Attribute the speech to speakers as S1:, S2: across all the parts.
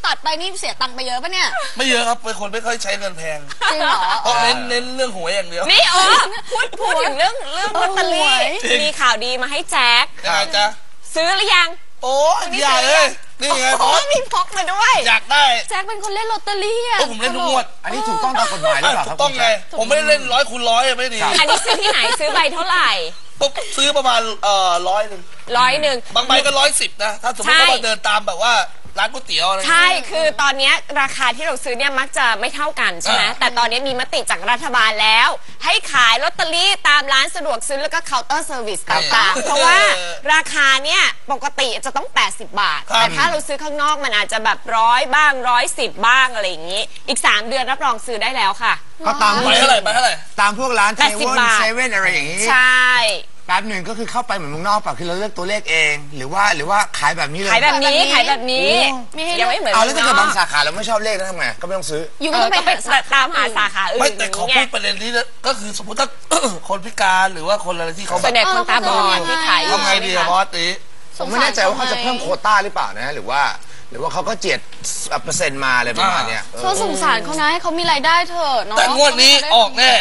S1: ตัดไปนี่เสียตังค์ไปเยอะปะเนี่ย
S2: ไม่เยอะครับเป็นคนไม่ค่อยใช้เงินแพง
S1: จริงเหรอ
S2: เพราะเน้นเรื่องหวยอย่างเดียว
S3: นี่พูดถึงเรื่องลอตเตอรี่มีข่าวดีมาให้แจ็ค
S2: จ๊ะ
S3: ซื้อหรือยัง
S2: โอ้ยใหญ่เลยนี่ไง
S3: โอ้มีพกมาด้วย
S2: อยากได้
S1: แจ็คเป็นคนเล่นลอตเตอรี่อ่ะ
S2: ผมเล่นทุกงวด
S4: อันนี้ถูกต้องตามกฎหมายหรือเปล่าครับ
S2: ถูกต้องไงผมไม่ได้เล่น100 คูณ 100ไม่ดี
S3: อันนี้ซื้อที่ไหนซื้อใบเท่าไหร่
S2: ปุ๊บซื้อประมาณ100บางใบก็110นะถ้าสมมติว่าเดินตามแบบว่าร้านก๋วยเตี๋ยวอะไร
S3: ใช่คือตอนนี้ราคาที่เราซื้อเนี่ยมักจะไม่เท่ากันใช่ไหมแต่ตอนนี้มีมติจากรัฐบาลแล้วให้ขายลอตเตอรี่ตามร้านสะดวกซื้อแล้วก็เคาน์เตอร์เซอร์วิสต่างๆเพราะว่าราคาเนี่ยปกติจะต้อง80 บาทแต่ถ้าเราซื้อข้างนอกมันอาจจะแบบ100บ้าง110บ้างอะไรอย่างนี้อีก3 เดือนรับรองซื้อได้แล้วค่ะ
S4: ก็ตาม
S2: ไปเท่าไหร่
S4: ตามพวกร้านเซเว่นอะไรอย่างนี้
S3: ใช่
S4: แป๊บหนึ่งก็คือเข้าไปเหมือนเมืองนอกป่ะคือเราเลือกตัวเลขเองหรือว่าขายแบบนี้เลย
S3: ขายแบบนี้ยังไม่เหมือน
S4: เอาแล้วถ้าเกิดบางสาขาเราไม่ชอบเลขแล้วทำไงก็ไม่ต้องซื้อ
S3: อยู่ก็ต้องไปตามหาสาขาอื่น
S2: ไม่แต่ขอพูดประเด็นนี้ก็คือสมมติถ้าคนพิการหรือว่าคนอะไรที่เขา
S3: ส่วนใหญ่คนตาบอดที่ขาย
S2: ทำไงดีบอสตี
S4: ผมไม่แน่ใจว่าเขาจะเพิ่มโควต้าหรือเปล่านะหรือว่าเขาก็เจียดเปอร์เซ็นต์มาอะไรประมาณนี้
S1: เขาสงสารเขานะให้เขามีรายได้เถอะเนาะ
S2: แต่งวดนี้ออกแน่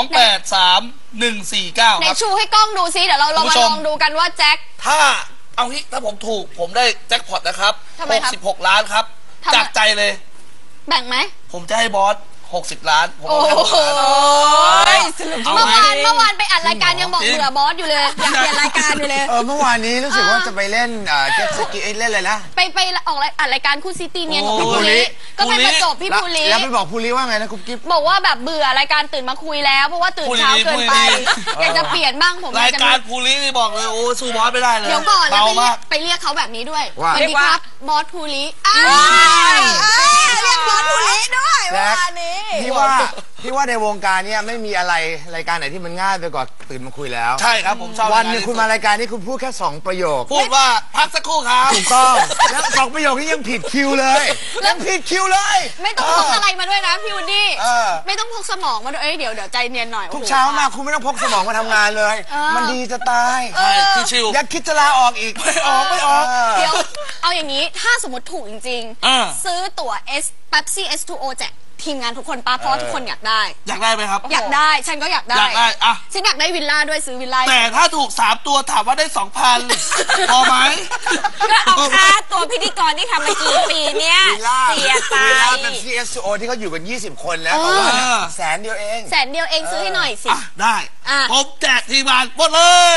S2: 283149
S1: ไหนชูให้กล้องดูซิเดี๋ยวเรามาลองดูกันว่าแจ็ค
S2: ถ้าผมถูกผมได้แจ็คพอตนะครับ66 ล้านครับจากใจเลย
S1: แบ่งไหม
S2: ผมจะให้บอส60 ล้านผมให้
S1: เมื่อวานไปอัดรายการยังบอกเบื่อบอสอยู่เลยอยากเปลี่ยนรายการอยู่เลย
S4: เมื่อวานนี้รู้สึกว่าจะไปเล่นเจ็ตสกีเล่นอะไรนะ
S1: ไปออกอัดรายการคู่ซิตี้เนี่ยของพี่ภูริก็ไปประจบพี่ภูริ
S4: แล้วไปบอกภูริว่าไงนะกุ๊บกิ๊บ
S1: บอกว่าแบบเบื่อรายการตื่นมาคุยแล้วเพราะว่าตื่นเช้าเกินไปอยากจะเปลี่ยนบ้างผม
S2: รายการภูรินี่บอกเลยโอ้สู้บอสไม่ได้เลย
S1: เดี๋ยวก่อนแล้วไปเรียกเขาแบบนี้ด้วยสวัสดีครับบอสภูริเรียกบอสภูริด้วยวันนี้
S4: พี่ว่าในวงการนี้ไม่มีอะไรรายการไหนที่มันง่ายไปกว่าตื่นมาคุยแล้ว
S2: ใช่ครับผมชอบ
S4: วันนึงคุณมารายการนี้คุณพูดแค่2 ประโยค
S2: พูดว่าพักสักครู่ครับ
S4: ถูกต้องแล้ว2 ประโยคนี้ยังผิดคิวเลยยังผิดคิวเลย
S1: ไม่ต้องพกอะไรมาด้วยนะพี่วูดดี้ไม่ต้องพกสมองมาด้วยเดี๋ยวใจเย็นหน่อย
S4: ทุกเช้ามาคุณไม่ต้องพกสมองมาทำงานเลยมันดีจะตาย
S2: ชิว
S4: อยากคิดจะลาออกอีกไม่ออก
S1: เดี๋ยวเอาอย่างนี้ถ้าสมมติถูกจริงๆซื้อตั๋วPepsi S2O แจกทีมงานทุกคนป้าเพราะทุกคนอยากได้
S2: ไหมครับ
S1: อยากได้ฉันก็อยากได้
S2: อะ
S1: ฉันอยากได้วิลล่าด้วยซื้อวิลล่า
S2: แต่ถ้าถูก3 ตัวถามว่าได้ 2,000 พอไหม
S3: ก็เอาค่าตัวพิธีกรที่ทำมากี่ปีเนี่ยเสียไป
S4: เป็น CSO ที่เขาอยู่กัน20 คนแล้วแต่ว่า100,000 เดียวเอง
S1: ซื้อให้หน่อยสิ
S2: ได้ผมแจกทีมงานหมดเลย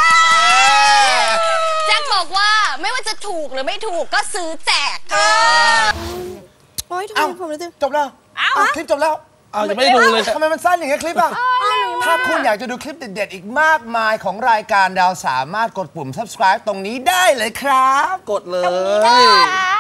S1: แจ็คบอกว่าไม่ว่าจะถูกหรือไม่ถูกก็ซื้อแจก
S4: โอ้ยจบแล้วคลิปจบแล้ว
S2: จะไม่ดูเลย
S4: ทำไมมันสั้นอย่างเงี้ยคลิปอ่ะถ้าคุณอยากจะดูคลิปเด็ดๆอีกมากมายของรายการดาวสามารถกดปุ่ม subscribe ตรงนี้ได้เลยครับ
S2: กดเลย